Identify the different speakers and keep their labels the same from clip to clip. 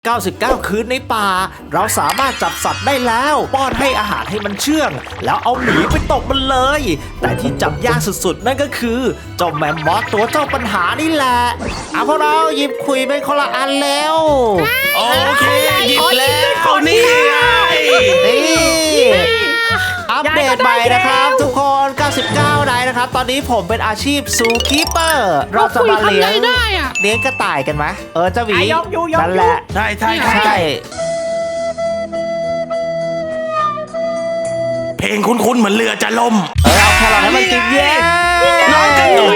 Speaker 1: 99 คืนในป่าเราสามารถจับสัตว์ได้แล้วป้อนให้อาหารให้มันเชื่อง แล้วเอาหมีไปตกมันเลย แต่ที่จับยากสุดๆนั่นก็คือเจ้าแมมมอสตัวเจ้าปัญหานี่แหละพวกเราหยิบคุยไปคนละอันแล้ว
Speaker 2: โอเคหยิบแล้วนี่ไง
Speaker 1: นี่อัปเดตใหม่นะครับทุกคน 99 นายนะครับตอนนี้ผมเป็นอาชีพซูคีเปอร์เราจะมาเลี้ยงกระต่ายกันไหมเจ้าหวีนั่นแหละ
Speaker 2: ใช่
Speaker 1: ใช่
Speaker 2: เพลงคุ้นๆเหมือนเรือจะล่ม
Speaker 1: เอาแครอทให้มันกินเย้
Speaker 2: น้องกันหน่อย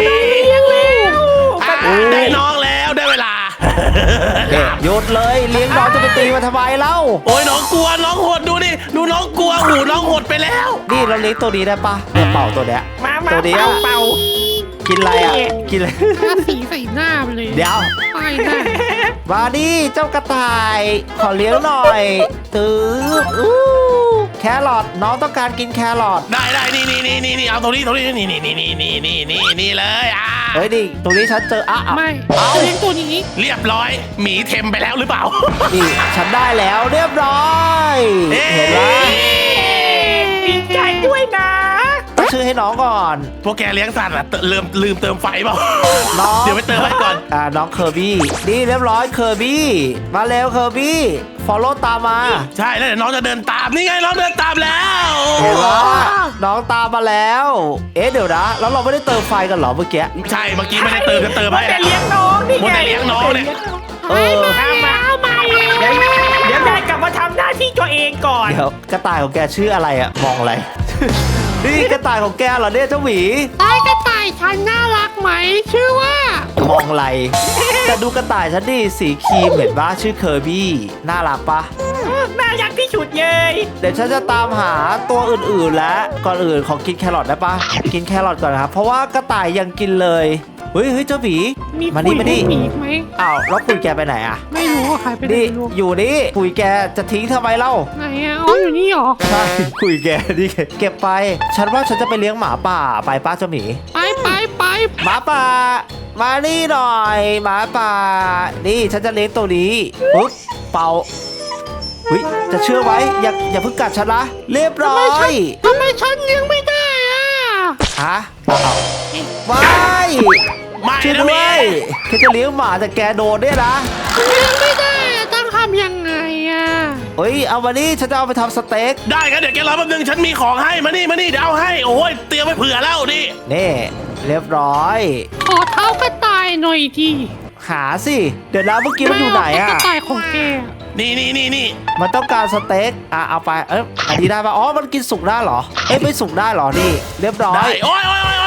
Speaker 2: ได้น้องแล้วได้เวลา
Speaker 1: หยุดเลยเลี้ยงน้องจะไปตีมันทำไมเล่า
Speaker 2: โอ้ยน้องกลัวน้องหดดูดิดูน้องกลัวหูน้องหดไปแล้ว
Speaker 1: นี่เราเลี้ยงตัวนี้ได้ปะเนี่ยเป่าตัวเนี้ย
Speaker 3: มา
Speaker 1: ตัวเดียว
Speaker 3: เป่า
Speaker 1: กินอะไรอ่ะกินอะไร
Speaker 4: ทาสีใส่หน้าไปเลย
Speaker 1: เดี๋ยว
Speaker 4: ป้ายหน้า
Speaker 1: มาดิเจ้ากระต่ายขอเลี้ยงหน่อยตื้อแครอทน้องต้องการกินแครอท
Speaker 2: ได้นี่เอาตรงนี้นี่เลย
Speaker 1: เฮ้ยดิตรงนี้ฉันเจอ
Speaker 4: ไม่
Speaker 1: เอา
Speaker 4: เลี้ยงตัวนี้
Speaker 2: เรียบร้อยหมีเทมไปแล้วหรือเปล่า
Speaker 1: นี่ฉันได้แล้วเรียบร้อยเห็นไหม
Speaker 3: ดีใจด้วยนะ
Speaker 1: ตั้งชื่อให้น้องก่อน
Speaker 2: พวกแกเลี้ยงสัตว์อะลืมเติมไฟเปล่า
Speaker 1: น้อง
Speaker 2: เดี๋ยวไปเติมให้ก่อน
Speaker 1: น้องเคอร์บี้นี่เรียบร้อยเคอร์บี้มาเร็วเคอร์บี้ฟอลโล่ตามมา
Speaker 2: ใช่แล้วเดี๋ยวน้องจะเดินตามนี่ไงน้องเดินตามแล้ว
Speaker 1: เห็นว่าน้องตามมาแล้ว เดี๋ยวนะแล้วเราไม่ได้เติมไฟกันเหรอเมื่อกี้
Speaker 2: ใช่เมื่อกี้ไม่ได้เติมจะเติมให้
Speaker 3: แต่เลี้ยงน้องนี่
Speaker 2: มัว
Speaker 3: ไง
Speaker 2: แต่เลี้ยงน้องเนี่ย
Speaker 4: มาเลย
Speaker 3: เดี๋ยวได้กลับมาทำหน้าที่ตัวเองก่อน
Speaker 1: เดี๋ยวกระต่ายของแกชื่ออะไรอะมองอะไร นี่กระต่ายของแกเหรอเนี่ยเจ้าหวี
Speaker 4: ไอ้กระต่ายฉันน่ารักไหมชื่อว่าม
Speaker 1: องอะไรแต่ดูกระต่ายฉันดิสีครีมเห็นปะชื่อเคอร์บี้น่ารักปะ
Speaker 3: น่ารักที่สุดเลย
Speaker 1: เดี๋ยวฉันจะตามหาตัวอื่นๆแล้วก่อนอื่นขอกินแครอทได้ปะกินแครอทก่อนนะครับเพราะว่ากระต่ายยังกินเลยเฮ้ยเจ้าหวี
Speaker 4: มี
Speaker 1: มา
Speaker 4: คุ
Speaker 1: นี่
Speaker 4: ย
Speaker 1: มานี่
Speaker 4: มีอีกไหม
Speaker 1: อ้าวแล้วคุยแกไปไหนอะ
Speaker 4: ไม่รู้ว่าใครไปไหน
Speaker 1: นี่
Speaker 4: ไม่รู้
Speaker 1: อยู่นี่คุยแกจะทิ้งทำไมเล่า
Speaker 4: ไหนอ่ะอ๋ออยู่นี่เหรอ
Speaker 1: ใช่คุยแกนี่เก็บไป ฉันว่าฉันจะไปเลี้ยงหมาป่าไปป้าเจ้าหมี
Speaker 4: ไป
Speaker 1: หมาป่ามานี่หน่อยหมาป่านี่ฉันจะเลี้ยงตัวนี้ปุ๊บเป่าจะเชื่อไว้อย่าเพิ่งกัดฉันนะเรียบร้อย
Speaker 4: ทำไมฉันเลี้ยงไม่ได้อ่ะ
Speaker 1: ฮะว้าย
Speaker 2: ไม่
Speaker 1: ช่วย
Speaker 2: นะ
Speaker 1: ด้
Speaker 2: เม
Speaker 1: วยแค่จะเลี้ยงหมาแต่แกโดนเนี่ยนะ
Speaker 4: เลี้ยงไม่ได้อะต้องทำยังไงอ่ะ
Speaker 1: เฮ้ยเอามานี่ฉันจะเอาไปทำสเต็ก
Speaker 2: ได้ครับเดี๋ยวแกรอแป๊บนึงฉันมีของให้มานี่เดี๋ยวเอาให้โอ้ยเตรียมไว้เผื่อแล้วนี่
Speaker 1: นี่เรียบร้อย
Speaker 4: ขอเท้ากระต่ายหน่อยที
Speaker 1: หาสิเดี๋ยวนะเมื่อกี้มันอยู่ไหน
Speaker 4: ก
Speaker 1: อะ
Speaker 4: ระต่ายของแก
Speaker 2: นี่
Speaker 1: มันต้องการสเต็กเอาไปอันนี้ได้ปะอ๋อมันกินสุกได้เหรอไม่สุกได้เหรอนี่ เรียบร้อ
Speaker 2: ได้
Speaker 1: ย
Speaker 2: โอ้ย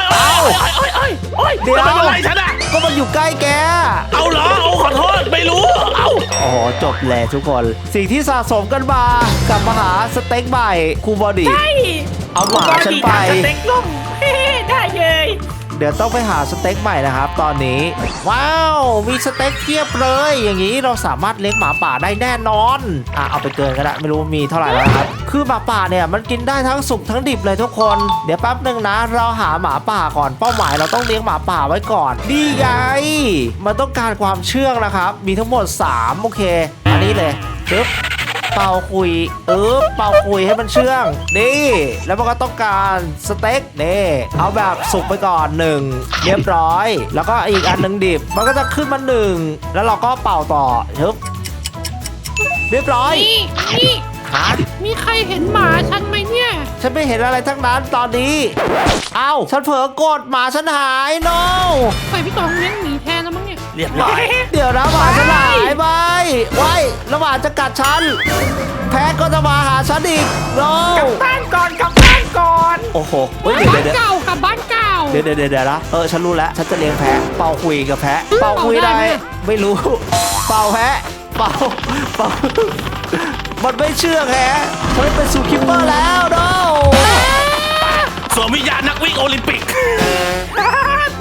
Speaker 2: เดี๋ยวทำอะไรฉันอะ
Speaker 1: ก็มันอยู่ใกล้แก
Speaker 2: เอาเหรอเอาขอโทษไม่รู้เอา
Speaker 1: โอ้โหจบแล้วทุกคน สิ่งที่สะสมกันมากลับมาหาสเต็กใหม่ครูบอดี้
Speaker 3: ใช่
Speaker 1: เอาหมาฉันไป
Speaker 3: สเต็กล่มได้เลย
Speaker 1: เดี๋ยวต้องไปหาสเต็กใหม่นะครับ ตอนนี้ ว้าวมีสเต็กเทียบเลย อย่างนี้เราสามารถเลี้ยงหมาป่าได้แน่นอนเอาไปเกินก็ได้ไม่รู้มีเท่าไหร่แล้วนะครับคือหมาป่าเนี่ยมันกินได้ทั้งสุกทั้งดิบเลยทุกคน เดี๋ยวแป๊บหนึ่งนะ เราหาหมาป่าก่อนเป้าหมายเราต้องเลี้ยงหมาป่าไว้ก่อนนี่ไงมันต้องการความเชื่องนะครับ มีทั้งหมด3โอเค อันนี้เลยปึ๊บเป่าคุยเป่าคุยให้มันเชื่องนี่แล้วมันก็ต้องการสเต็กนี่เอาแบบสุกไปก่อน1เรียบร้อย แล้วก็อีกอันหนึ่งดิบมันก็จะขึ้นมา1แล้วเราก็เป่าต่อปึ๊บเรียบร้อย
Speaker 4: นี่
Speaker 1: ฮะ
Speaker 4: มีใครเห็นหมาฉันไหมเนี่ย
Speaker 1: ฉันไม่เห็นอะไรทั้งนั้นตอนนี้เอ้าฉันเผลอกดหมาฉันหายโน
Speaker 4: ใส่พี่ตองเลี้ยงหมีแทนแล้วมั้งเนี่ย
Speaker 2: เรียบร้อย
Speaker 1: เดี๋ยวนะหมาฉันหายไปไว้แล้วหมาจะกัดฉันแพ้ก็จะมาหาฉันอีกโน
Speaker 3: กลับบ้านก่อนกลับบ้านก่อน
Speaker 1: โอ้โห
Speaker 4: บ้าน
Speaker 1: เดี๋ยว
Speaker 4: เก่ากับบ้านเก่า
Speaker 1: เดี๋ยวนะฉันรู้แล้วฉันจะเลี้ยงแพะเป่าคุยกับแพะเป่าคุยได้
Speaker 4: เป่าได้ไหม
Speaker 1: ไม่รู้ เป่าแพะเป่ามันไม่เชื่องแฮะฉันเป็นซูคิปเปอร์แล้วโน
Speaker 2: สวมวิญญาณนักวิ่งโอลิมปิก
Speaker 1: ว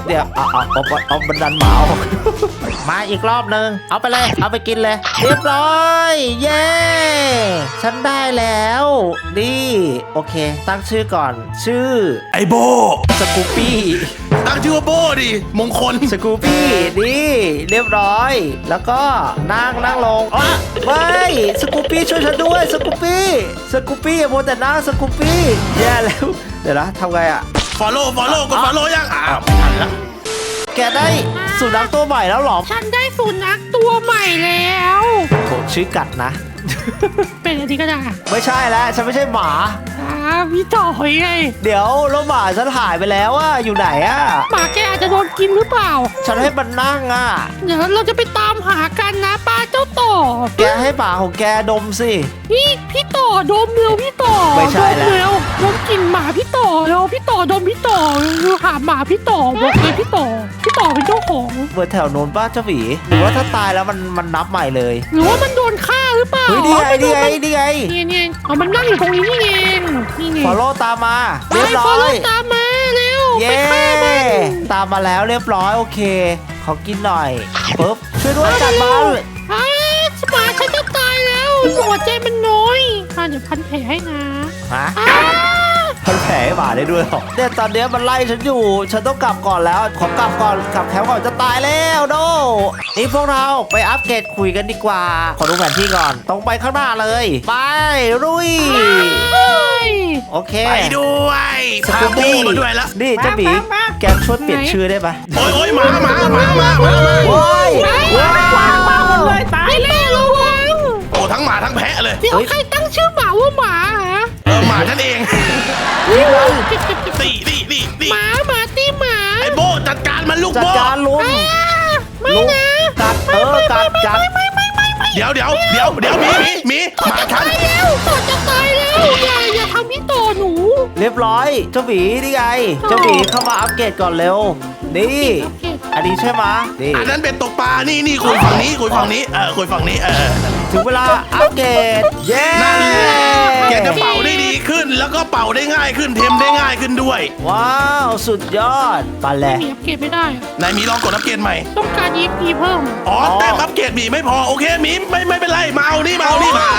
Speaker 1: เนี่ยเอาบันดันหมาออก มาอีกรอบนึงเอาไปเลยเอาไปกินเลยเรียบร้อยเย้ฉันได้แล้วนี่โอเคตั้งชื่อก่อนชื่อ
Speaker 2: ไอโบ
Speaker 1: สกูปี้
Speaker 2: ตั้งชื่อว่าโบดิมงคล
Speaker 1: สกูปี้นี่เรียบร้อยแล้วก็นั่งลงอ๋อไม่สกูปี้ช่วยฉันด้วยสกูปี้อย่ามัวแต่นั่งสกูปี้แย่แล้วเดี๋ยวนะทำไงอะ
Speaker 2: follow กด follow ยังไม่ทันละ
Speaker 1: แกได้สุนัขตัวใหม่แล้วเหรอ
Speaker 4: ฉันได้สุนัขตัวใหม่แล้ว
Speaker 1: โหชื่อกัดนะ
Speaker 4: เป็นอะไรก็ได้
Speaker 1: ไม่ใช่แล้วฉันไม่ใช่หมา
Speaker 4: พี่ต่อยไง
Speaker 1: เดี๋ยวแล้วหมาฉันหายไปแล้วอะอยู่ไหนอะ
Speaker 4: หมาแกอาจจะโดนกินหรือเปล่า
Speaker 1: ฉันให้มันนั่งอะ
Speaker 4: เดี๋ยวเราจะไปตามหากันนะป้าเจ้าต่อ
Speaker 1: แกให้หมาของแกดมสิ
Speaker 4: นี่พี่ต่อดมเร็วพี่ต่อ
Speaker 1: ไม่ใช่แล้ว
Speaker 4: ดมเร็วดมกลิ่นหมาพี่ต่อเร็วพี่ต่อดมพี่ต่อหาหมาพี่ต่อบอกเลยพี่ต่อเป็นเจ้าของ
Speaker 1: เบอร์แถวโน้นป้าเจ้าหวีหรือว่าถ้าตายแล้วมันนับใหม่เลย
Speaker 4: หรือว่ามันโดนฆ่าหรือเปล่า
Speaker 1: เฮ้ยนี่ไง
Speaker 4: เนี่ยเอามันนั่งอยู่ตรงนี้นี่เองนี่ไง
Speaker 1: ฟอลโล่ตามมา
Speaker 4: ไป
Speaker 1: เรียบร้
Speaker 4: ฟอ
Speaker 1: อ
Speaker 4: ลโล่
Speaker 1: ย
Speaker 4: ตามมาเร็วไป
Speaker 1: เย้
Speaker 4: ฆ่ามัน
Speaker 1: ตามมาแล้วเรียบร้อยโอเคขอกินหน่อยปึ๊บช่วยด้วยจัดมัน
Speaker 4: อ้าหมาฉันจะตายแล้วหัวใจมันน้อยเดี๋ยวพันแผลให้นะ
Speaker 1: ฮะ
Speaker 4: อ้า
Speaker 1: พันแผลให้หมาได้ด้วยเหรอเนี่ยตอนเนี้ยมันไล่ฉันอยู่ฉันต้องกลับก่อนแล้วขอกลับก่อนกลับแคมป์ก่อนจะตายแล้วโดนี่พวกเราไปอัปเกรดคุยกันดีกว่าขอดูแผนที่ก่อนตรงไปข้างหน้าเลยไปลุย
Speaker 4: เฮ้ย
Speaker 1: โอเค
Speaker 2: ไปด้วย
Speaker 1: ส
Speaker 2: พา
Speaker 1: กู
Speaker 2: โบ
Speaker 1: บี้
Speaker 2: มาด้วยละ
Speaker 1: นี่เจ้าหมีแกช่วยเปลี่ยนชื่อได้ปะ
Speaker 2: โอ้ยหมา
Speaker 1: โอ้ยว้าว
Speaker 3: วางหมดเลยตาย
Speaker 4: ไอ้แม่ระวัง
Speaker 2: โอ้ทั้งหมาทั้งแพะเลย
Speaker 4: เดี๋ยวใครตั้งชื่อหมาว่าหมาฮะ
Speaker 2: หมาฉันเอง
Speaker 1: นี่มัน
Speaker 2: นี่
Speaker 4: หมาตีหมา
Speaker 2: ไอโบจัดการมันลูก
Speaker 1: จัด
Speaker 2: โบ
Speaker 1: การลุง
Speaker 4: ไม่
Speaker 1: ลุง
Speaker 4: นะ
Speaker 1: กัดกัด
Speaker 2: เดี๋ยวหมีหมาฉัน
Speaker 4: ตายแล้วต่อจะตายแล้วอย่าทำพี่ต่อหนู
Speaker 1: เรียบร้อยเจ้าหมีนี่ไงเจ้าหมีเข้ามาอัปเกรดก่อนเร็วนี่
Speaker 4: โอเค
Speaker 1: อันนี้ใช่ไหมนี่
Speaker 2: อันนั้นเป็นตกปลานี่คุยฝั่งนี้คุยฝั่งนี้คุยฝั่งนี้
Speaker 1: ถึงเวลาอัปเกรดเย้
Speaker 2: นั่นแหละแกจะเป่าได้ดีขึ้น แล้วก็เป่าได้ง่ายขึ้นเทมได้ง่ายขึ้นด้วย
Speaker 1: ว้าวสุดยอดไปเลย
Speaker 4: มีอัปเกรดไม่ได้
Speaker 2: นายหมีลองกดอัปเกรดใหม่
Speaker 4: ต้องการ EP เพิ่ม
Speaker 2: อ๋อแต้มอัปเกรดหมีไม่พอโอเคหมีไม่เป็นไรมาเอานี่มา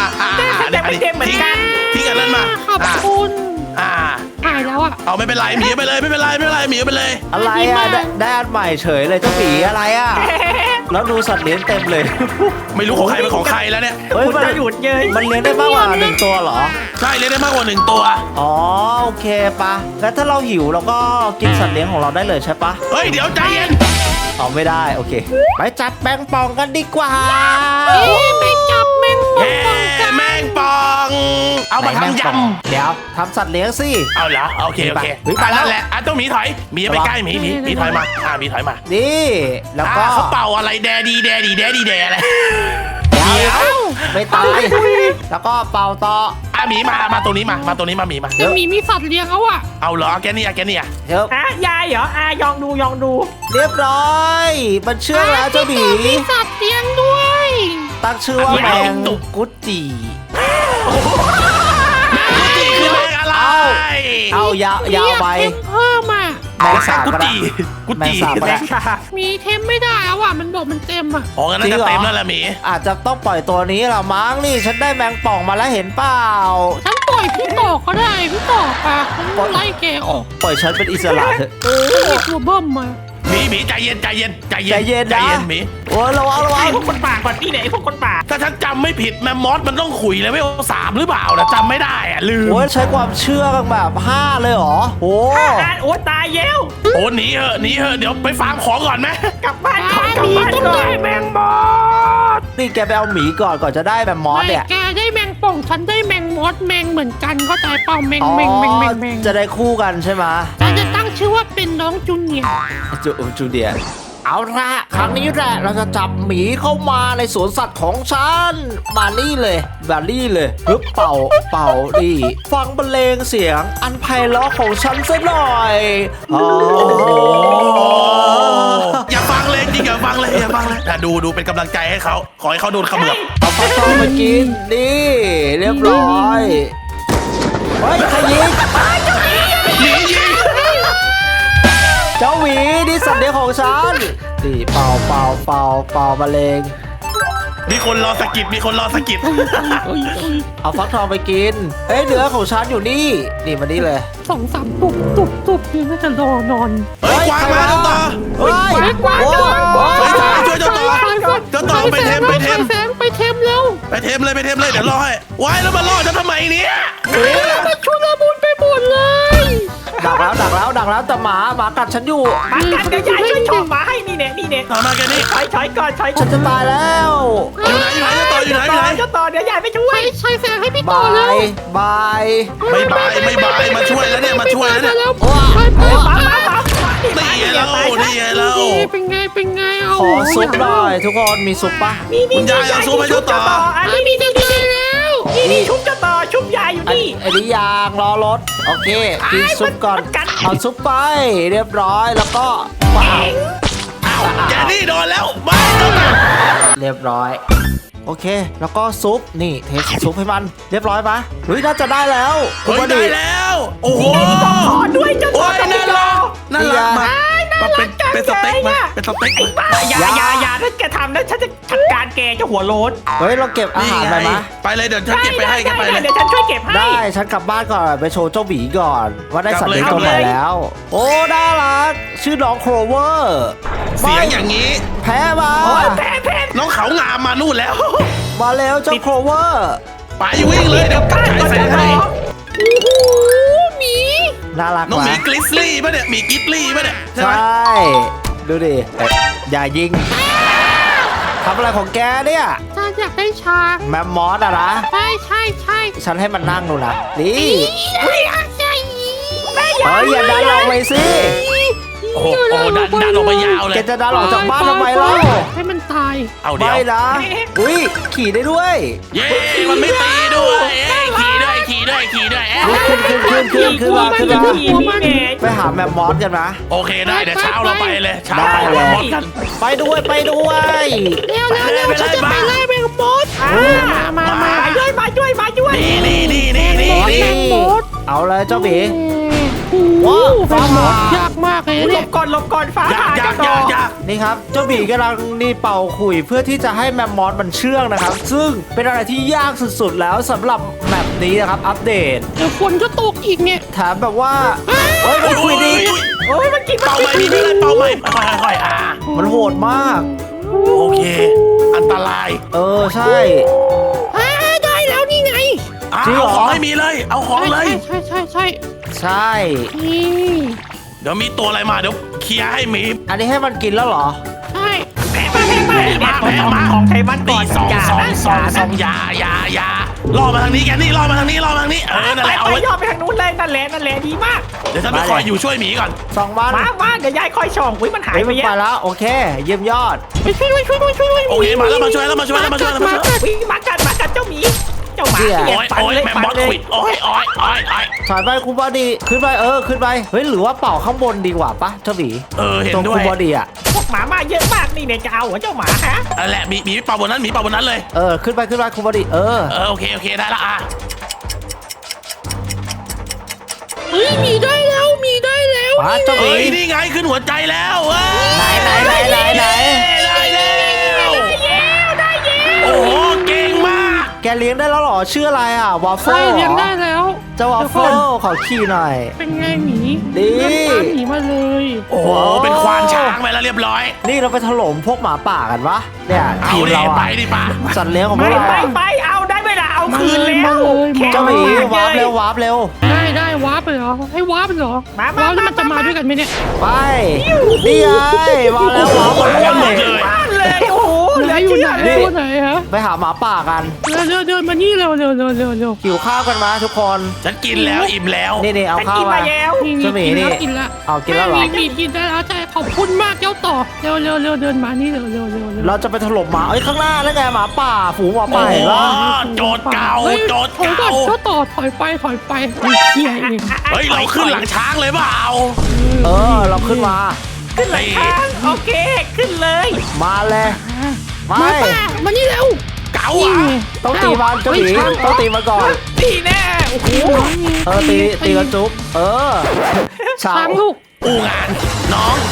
Speaker 2: ทิ้งอันนั้นมา
Speaker 4: ขอบคุณ
Speaker 2: อ่า
Speaker 4: หายแล้วอ่ะ
Speaker 2: เอาไม่เป็นไรหมีไปเลยไม่เป็นไรหมีไปเลย
Speaker 1: อะไรอ่ะได้อันใหม่เฉยเลยเจ้าหมีอะไรอ่ะแล้วดูสัตว์เลี้ยงเต็มเลย
Speaker 2: ไม่รู้ของใครเป็นของใครแล้วเนี่ย
Speaker 1: เฮ้ย
Speaker 3: คุณจะหยุดเย้ย
Speaker 1: มันเลี้ยงได้มากกว่า1ตัวเหรอ
Speaker 2: ใช่เลี้ยงได้มากกว่า1ตัว
Speaker 1: อ๋อโอเคปะแล้วถ้าเราหิวเราก็กินสัตว์เลี้ยงของเราได้เลยใช่ปะ
Speaker 2: เฮ้ยเดี๋ยวใจเย็น
Speaker 1: เอาไม่ได้โอเคไปจัดแปงปองกันดีกว่า
Speaker 4: ไปจับแมงป่อง
Speaker 2: เฮ้แมงปองเอามาทำย
Speaker 1: เดี๋ยวทำสัตว์เลี้ยงสิ
Speaker 2: ำเอาเหรอโอเค
Speaker 1: เฮ้ยไปแล้ว
Speaker 2: นั่นแหละต้องหมีถอยหมีไปใกล้หมีถอยมาหมีถอยมา
Speaker 1: นี่แล้วก็
Speaker 2: เขาเป่าอะไรแดดีแดอะไร
Speaker 1: เดี๋ยวไม่ตายแล้วก็เป่าต่อ
Speaker 2: หมีมาตรงนี้มาตรงนี้มาหมีมา
Speaker 4: จะมีสัตว์เลี้ยงแล้วอ่ะ
Speaker 2: เอาเหรอแกนี่
Speaker 1: เดี๋ยว
Speaker 3: ยายเหรอยองดู
Speaker 1: เรียบร้อยมันเชื่องแล้วเจ้าหมี
Speaker 4: มีสัตว์เลี้ยงด้วย
Speaker 1: ตั้งชื่อว่าแมงกุดจี
Speaker 2: คือแมงอะไร
Speaker 1: เอายาวไป
Speaker 4: เทมเพิ่มอ่ะ
Speaker 1: แมงสาบ
Speaker 2: กุ
Speaker 1: ก็ได้
Speaker 2: กุ
Speaker 1: แมงสาบก็
Speaker 3: แร
Speaker 1: ได้
Speaker 3: งค่ะ
Speaker 4: มีเทมไม่ได้แล้วอ่ะมันบอกมันเต็มอ่ะ
Speaker 2: อ๋องั้นน่าจะเต็มแล้วแหละหมี
Speaker 1: อาจจะต้องปล่อยตัวนี้ละมั้งนี่ฉันได้แมงป่องมาแล้วเห็นเปล่า
Speaker 4: ฉันปล่อยพี่ต่อก็ได้พี่ต่อปะฉันไล่แกออก
Speaker 1: ปล่อยฉันเป็นอิสระเถอะ
Speaker 4: มีตัวเบิ้มมา
Speaker 2: หมีใจเย็น
Speaker 1: ใจเย็นนะ
Speaker 2: หมี
Speaker 1: โอ้ยระวัง
Speaker 3: ไอ้พวกคนป่าก่อนนี่ไหนพวกคนป่า
Speaker 2: ถ้าฉันจำไม่ผิดแมมมอสมันต้องขุยเลยไม่เอา3หรือเปล่านะจำไม่ได้อะลืม
Speaker 1: โอ้ยใช้ความเชื่อกันแบบ5เลยเหรอโอ้
Speaker 3: โอ้ตายเย้ว
Speaker 2: โอ้หนีเหอะเดี๋ยวไปฟาร์มของก่อนไหม
Speaker 3: กลับบ้านก่อน
Speaker 4: มีต้องได้แมงมอส
Speaker 1: นี่แกไปเอาหมีก่อนจะได้แบบมอสเนี่ย
Speaker 4: แกได้แมงป่องฉันได้แมงมอสแมงเหมือนกันเข้าใจเปล่าแมง
Speaker 1: อ๋อ
Speaker 4: แมง
Speaker 1: จะได้คู่กันใช่ไหม
Speaker 4: ฉันจะตั้งชื่อว่าเป็นน้องจูเนียร์
Speaker 1: จูเดียเอาละครั้งนี้แหละเราจะจับหมีเข้ามาในสวนสัตว์ของฉันมานี่เลยปึ๊บเป่าดิฟังบรรเลงเสียงอันไพเราะของฉันซะหน่อยอ๋อ
Speaker 2: อย่าฟังเลยจริงอย่าฟังเลยดูเป็นกำลังใจให้เขาขอให้เขาโดนเขมือบ
Speaker 1: เอาฟักทองมากินนี่เรียบร้อยเฮ้ยใครยิง
Speaker 2: หนียิง
Speaker 1: เจ้าหมีนี่สัตว์เดี๋ยวของฉันนี่เป่ามะเร็ง
Speaker 2: มีคนรอสกิดมีคนรอสกิด
Speaker 1: เอาฟักทองไปกินเอ้ยเนื้อของฉันอยู่นี่นี่มานี่เลย
Speaker 4: 2-3 ตุบเนี่ยน่าจะรอนอน
Speaker 2: เฮ้ยกวางมาเจ้าต่อ
Speaker 1: เฮ้ย
Speaker 3: กวาง
Speaker 1: โอ้
Speaker 2: ไปช่วยเจ้าต่อเจ้าต่อไปเทม
Speaker 4: ไปเทมแล้ว
Speaker 2: ไปเทมเลยเดี๋ยวรอให้ว้ายแล้วมาล่อฉันทำไมเนี่ย
Speaker 4: มันชุลมุนไปหมดเลย
Speaker 1: ดักแล้วแต่หมากัดฉันอยู่
Speaker 3: มากันเดี๋ยวยายช่วยชมมาให้นี่เนี่ย
Speaker 2: เอามาแกนี่
Speaker 3: ถอยก่อน
Speaker 1: ฉันจะตายแล้ว
Speaker 2: อยู่ไหนเจ้าต่ออยู่ไหน
Speaker 3: เจ้าต่อเดี๋ยวยายไปช่วย
Speaker 4: ใช้แสงให้พี่
Speaker 1: บา
Speaker 4: ต่อแล้ว
Speaker 1: ยบาย
Speaker 2: ไม่บายมาช่วยแล้วเนี่ยมาช่วยแล้วเนี่ย
Speaker 4: ไป
Speaker 3: มา
Speaker 2: นี่ไงเรานี่ไงเรา
Speaker 4: เป็นไงเอา
Speaker 1: ขอซุปหน่อยทุกคนมีซุปปะ
Speaker 2: คุณยายเอาซุปให้เจ้าต่อ
Speaker 3: อัน
Speaker 4: มี
Speaker 3: นี้
Speaker 4: ดีแล้ว
Speaker 3: นี่ชุบเจ้าต่อชุบยายอยู่นี่
Speaker 1: อันนี้ยางรอรถโอเคกินซุปก่อน
Speaker 3: มันกัด
Speaker 1: เอาซุปไปเรียบร้อยแล้วก็ว้าว
Speaker 2: อ้าวแกนี่โดนแล้วมาเจ้าต่อ
Speaker 1: เรียบร้อยโอเค แล้วก็ซุปนี่เทซุปให้มันเรียบร้อยปะเฮ้ยน่าจะได้แล้ว
Speaker 2: เฮ้ยได้แล้วโอ้โห
Speaker 3: ขอด้วยเจ้าต่
Speaker 2: โอ้
Speaker 3: อย
Speaker 2: น่ารักมาเป็นสเต็กมาเป็นสเต็กมา
Speaker 3: อย่าถ้าแกทำนะฉันจะจัดการแกเจ้าหัวโล้น
Speaker 1: เฮ้ยเราเก็บอาหารไปมะ
Speaker 2: ไปเลยเดี๋ยวฉันเก็บไปให้กันไปเลย
Speaker 3: เดี๋ยวฉันช่วยเก็บให้
Speaker 1: ได้ฉันกลับบ้านก่อนไปโชว์เจ้าหมีก่อน ว่าได้สัตว์เลี้ยง
Speaker 2: กลั
Speaker 1: ตั
Speaker 2: บ
Speaker 1: ว
Speaker 2: เลย
Speaker 1: ใหม่แล้ว โอ้น่ารักชื่อน้องโครเวอร์
Speaker 2: เสียงอย่างนี้
Speaker 1: แพ้มา
Speaker 3: โอ้ยแพน
Speaker 2: น้องเขางามมานู่นแล้ว
Speaker 1: มาแล้วเจ้าโครเวอร์
Speaker 2: ไปวิ่งเลยเดี๋ยวฉายแสงให้
Speaker 4: โอ้โหหมี
Speaker 1: น่ารัก
Speaker 2: น้องหมี
Speaker 1: วะ
Speaker 2: กลิสลี่ป่ะเนี่ยหมีกลิสลี่ป่ะเนี่ยใช่
Speaker 1: ใช
Speaker 2: ไหม่
Speaker 1: ดูดิเอ๊ะอย่ายิงทำอะไรของแกเนี่ย
Speaker 4: ถ้าอยากได้ชา
Speaker 1: แมมมอสอะนะ
Speaker 4: ใช่
Speaker 1: ฉันให้มันนั่งดูนะนี่
Speaker 4: ใช่
Speaker 1: เฮ้ยอย่าดันออกไปสิ
Speaker 2: โอ้โหดันออกมายาวเล
Speaker 1: แก
Speaker 2: ย
Speaker 1: จะดันออกจากบ้านทำไมเล่า
Speaker 4: ให้มันตาย
Speaker 2: เอาเดี๋
Speaker 1: ไม่
Speaker 2: ยว
Speaker 1: นะอุ้ยขี่ได้ด้วย
Speaker 2: เย้มันไม่ตีด้วยขี่ด้วย
Speaker 1: ขึ้นมา
Speaker 3: ขี่นี่แน่
Speaker 1: ไปหาแมมมอสกันนะ
Speaker 2: โอเคได้เดี๋ยวเช้าเราไปเลยเช้า
Speaker 1: ได้
Speaker 2: เรา
Speaker 1: เลย
Speaker 2: หมดกัน
Speaker 1: ไปด้วย
Speaker 4: เร็วฉันจะไปไล่แมงมดมา
Speaker 3: มาช่วย
Speaker 2: นี่
Speaker 4: แมงมด
Speaker 1: เอาเลยเจ้าหมี
Speaker 4: โอ้
Speaker 1: ว้าว
Speaker 4: แมงมดยากมากเลย
Speaker 3: หล
Speaker 4: เนี่ย
Speaker 3: บก่อนฟ้า
Speaker 2: อยา
Speaker 3: ผ่าก
Speaker 2: อยา
Speaker 3: เจ้าก ต่อ
Speaker 2: อยาก
Speaker 1: นี่ครับเจ้าหมีกำลังนี่เป่าขลุ่ยเพื่อที่จะให้แมมมอสมันเชื่องนะครับ ซึ่งเป็นอะไรที่ยากสุดๆแล้วสำหรับแมปนี้นะครับอัปเดต
Speaker 4: เดี๋ยวฝนจะตกอีกเนี่ย
Speaker 1: แถมแบบว่าเฮ้ยมันคุยดี
Speaker 3: โอ้ยมันกิน
Speaker 2: เป่าใหม่มีไม่ได้เป่าใหม่ค่อยๆ
Speaker 1: มันโหดมาก
Speaker 2: โอเค อันตราย
Speaker 1: เออใช่
Speaker 4: ได้แล้วนี่ไง
Speaker 2: เอาของให้มีเลย เอาของเลย
Speaker 4: ใช่
Speaker 1: ใช่
Speaker 4: นี่
Speaker 2: เดี๋ยวมีตัวอะไรมาเดี๋ยวเคลียร์ให้หมี
Speaker 1: อันนี้ให้มันกินแล้วเหรอ
Speaker 4: ใช่
Speaker 3: มาของไทยมันก่อน
Speaker 2: สองอย่าล่อมาทางนี้แกนี่ล่อมาทางนี้นั่นแหละเอา
Speaker 3: ไป
Speaker 2: ไว้
Speaker 3: ย่อไปทางนู้นเลยนั่นแหละดีมาก
Speaker 2: เดี๋ยวฉันไปคอยอยู่ช่วยหมีก่อน
Speaker 1: 2 วัน
Speaker 3: มาเดี๋ยวยายคอยช่องอุ้ยมันหาย
Speaker 1: เฮ้ย
Speaker 3: ไป
Speaker 1: มัน
Speaker 3: เย
Speaker 1: ไป
Speaker 3: อะ
Speaker 1: แล้วโอเค เยี่ยมยอด
Speaker 4: ไปช่วย
Speaker 2: โอเคมาแล้วมาช่วย
Speaker 3: วิ่งมากัดเจ้าหมีเจ้าหมา
Speaker 2: โอ้ยแมมมอสควิดโอ้ย
Speaker 1: ถอยไปคุณบอดีขึ้นไปขึ้นไปเฮ้ยหรือว่าเป่าข้างบนดีกว่าปะเจ้าหมี
Speaker 2: เห็น
Speaker 1: ตรง
Speaker 2: ด้ว
Speaker 1: คุ
Speaker 2: ย
Speaker 1: ณบอดีอ่ะ
Speaker 3: พวกหมามาเยอะมากนี่เนี่ยจะเอาหัวเจ้าหมาฮะ
Speaker 2: แหละหมีเป่าบนนั้นเลย
Speaker 1: ขึ้นไปคุณบอดี
Speaker 2: โอเคได้ละอ่ะ
Speaker 4: เฮ้ยมีได้แล้ว
Speaker 1: มาเจ้าหมี
Speaker 2: เฮ้ยนี่ไงขึ้นหัวใจแล้วเว้ย
Speaker 1: ไหน
Speaker 2: ได้แล้วโอ้โหเก่งมาก
Speaker 1: แกเลี้ยงได้แล้วเหรอชื่ออะไรอ่ะวาฟเฟิ
Speaker 4: ใช่
Speaker 1: ล
Speaker 4: เลี้ยงได้แล้ว
Speaker 1: เจ้าวาฟเฟิลขอขี่หน่อย
Speaker 4: เป็นไงหมี
Speaker 1: ดี
Speaker 4: ตามหมีมาเลย
Speaker 2: โอ้โหเป็นควานช้างไปแล้วเรียบร้อย
Speaker 1: นี่เราไปถล่มพวกหมาป่ากันวะเนี่ย
Speaker 2: เอา
Speaker 1: ทีม
Speaker 2: ดิ
Speaker 1: เรา
Speaker 2: ไป
Speaker 1: อ่ะ
Speaker 2: ดิป่ะ
Speaker 1: สัตว์เลี้ยงของพวกเรา
Speaker 3: ไปเอาได้ไหมล่ะเอาคืนแล้ว
Speaker 1: เจ้าหมีวาร์ปเร็ววาร์ปเร็ว
Speaker 4: ได้วาร์ปเลยเหรอให้วาร์ปเลยเหรอวาร์ปแล้วมันจะมาด้วยกันไหมเนี่ย
Speaker 1: ไปนี่ไงมาแล้ววาร์ปหมดเลย
Speaker 3: บ้านเลยโอ้โห
Speaker 4: ไหนอยู่ไหนตัวไหนฮะ
Speaker 1: ไปหาหมาป่ากัน
Speaker 4: เดินมานี่เร็ว
Speaker 1: หิวข้าวกันมาทุกคน
Speaker 2: ฉันกินแล้วอิ่มแล้ว
Speaker 1: นี่เอา
Speaker 3: ฉัน
Speaker 1: ข้าว
Speaker 3: กิน
Speaker 1: มา
Speaker 3: มาแล้ว
Speaker 1: เจ้าหมีนี่
Speaker 4: กินละ
Speaker 1: เอากินแล้วเหรอ
Speaker 4: มีกินได้แล้วใช่ขอบคุณมากเจ้าต่อเร็วเดินมานี่เร็ว
Speaker 1: เราจะไปถล่มหมาเอ้ยข้างหน้าแล้วไงหมาป่าฝูงหมาป่าเห็นปะ
Speaker 2: โจทย์เก่า
Speaker 4: ถอยก่อนเจ้าต่อถอยไปเฮียเอง
Speaker 2: เฮ้ยเราขึ้นหลังช้างเลยเปล่า
Speaker 1: เราขึ้นมา
Speaker 3: ขึ้นหลังช้างโอเคขึ้นเลย
Speaker 1: มาเลยไม่
Speaker 4: มาป่ะมานี่เร็ว
Speaker 2: เก่าอ่ะ
Speaker 1: ต้องตีมันเจ้าหมีต้องตีมันก่อน
Speaker 3: ตีแน่โอ้โห
Speaker 1: ตีกันจุ๊บช้า
Speaker 4: ช้าง งลูก
Speaker 2: อูงานน้อง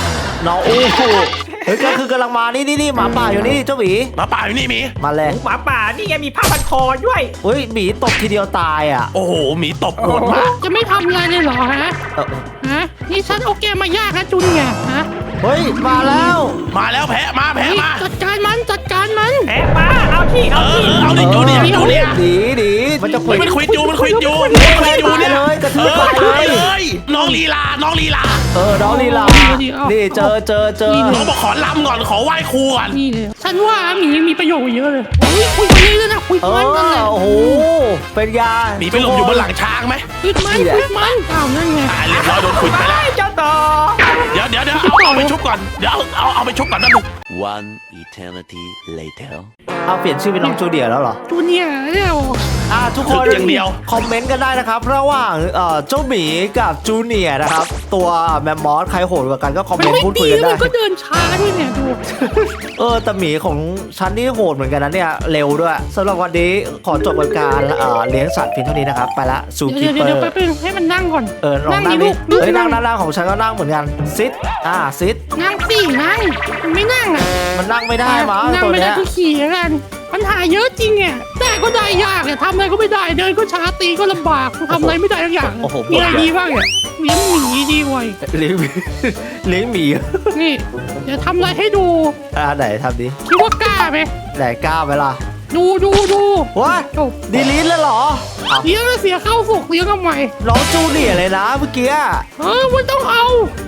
Speaker 1: น้องอู้หูเฮ้ยก็คือกำลังมานี่หมาป่าอยู่นี่เจ้าหมี
Speaker 2: หมาป่าอยู่นี่หมี
Speaker 1: มาเลย
Speaker 3: หมาป่านี่ไงมีผ้าพันคอด้วย
Speaker 1: เฮ้ยหมีตบทีเดียวตายอ่ะ
Speaker 2: โอ้โหหมีตบโหดมาก
Speaker 4: จะไม่ทำอะไรเลยเหรอฮะ
Speaker 1: เออ
Speaker 4: ฮะนี่ฉันเอาแกมายากนะจูเนียร์ฮะ
Speaker 1: เฮ้ยมาแล้ว
Speaker 2: มาแล้วแพะมา
Speaker 4: เฮ้ย
Speaker 2: มา
Speaker 4: จัดการมันจัดการมัน
Speaker 3: แพ้มาเอาที่
Speaker 2: เอ
Speaker 3: เอา
Speaker 2: อ
Speaker 3: ที่
Speaker 2: เอาดิจูเนี่ยจูเนี่ย
Speaker 1: ดีมันจะคุย
Speaker 2: มันคุยจูมันคุยจู
Speaker 1: ตายเลยกระทืบตายเลย
Speaker 2: เลยน้องลีลาน้องลีลา
Speaker 1: น้องลีลานี่เจอ
Speaker 2: น้องบอกขอลำก่อนขอไหว้ครูก่อน
Speaker 4: นี่เลยฉันว่าหมีมีประโยชน์เยอะเลยคุยกันนี้เลยนะคุยมันนั่นแหละ
Speaker 1: โอ้โหเป็นยา
Speaker 2: หมีไปหลบอยู่บนหลังช้างไหม
Speaker 4: คุยมันอ้าวนั่นไง
Speaker 2: เรียบร้อยโดนขุดไปแล้ว
Speaker 3: เจ้าต่อ
Speaker 2: เดี๋ยวเอาไปชุบก่อนเดี๋ยวเอาไปชุบก่อนนะลูก
Speaker 5: One eternity later.
Speaker 1: เอาเปลี่ยนชื่อเป็นน้องจูเดียแล้วเหรอ
Speaker 4: จูเนียร์เนี่ย
Speaker 1: ทุกคน
Speaker 2: อย่างเดียว
Speaker 1: คอมเมนต์กันได้นะครับระหว่างเจ้าหมีกับจูเนียร์นะครับตัวแมมมอสใครโหดกว่ากันก็คอม
Speaker 4: มั
Speaker 1: เม
Speaker 4: น
Speaker 1: นต์
Speaker 4: ไม่
Speaker 1: พูดคุ
Speaker 4: ดี
Speaker 1: ยกัน
Speaker 4: แล้ว
Speaker 1: ได้
Speaker 4: มันก็เดินช้าด้วยเนี่ยดู
Speaker 1: แต่หมีของฉันนี่โหดเหมือนกันนะเนี่ยเร็วด้วยสำหรับวันนี้ขอจบการเลี้ยงสัตว์เพียงเท่านี้นะครับไปละซูคิปเปอ
Speaker 4: เดี๋ยว
Speaker 1: ร์
Speaker 4: แป๊บนึงให้มันนั่งก่อน
Speaker 1: ลองนั่ง
Speaker 4: ดิ
Speaker 1: ดิ
Speaker 4: ลูก
Speaker 1: เฮ้ยนั่งของฉันก็นั่งเหมือนกันซิดซิด
Speaker 4: นั่งสินั่งมันไม่นั่งอ่ะ
Speaker 1: มันนั่งไม่ได้มั้ง
Speaker 4: นั่ง
Speaker 1: ตัว
Speaker 4: ไม่ได้
Speaker 1: เนี้ย
Speaker 4: ก็ขี่แล้วกันปัญหาเยอะจริงเนี่ยได้ก็ได้ยากเนี่ยทำอะไรก็ไม่ได้เดินก็ช้าตีก็ลำบากทำอะไรไม่ได้ทุกอย่างมีอะไรดีบ้างเนี่ยเลี้ยงหมีดีกว่า
Speaker 1: เลี้ยงหมีเลี้ยงหมี
Speaker 4: นี่เดี๋ยวทำอะไรให้ดู
Speaker 1: ไหนทำดิ
Speaker 4: คิดว่ากล้าไหม
Speaker 1: ไหนกล้าไหมล่ะ
Speaker 4: ดู
Speaker 1: ว้า
Speaker 4: จบ
Speaker 1: ดีลิทเลยเหรอ
Speaker 4: เลี้ยงแล้วเสียเข้าสุกเลี้ยงทำไม
Speaker 1: น้องจูเนียร์เลยนะเมื่อกี้
Speaker 4: มันต้องเอา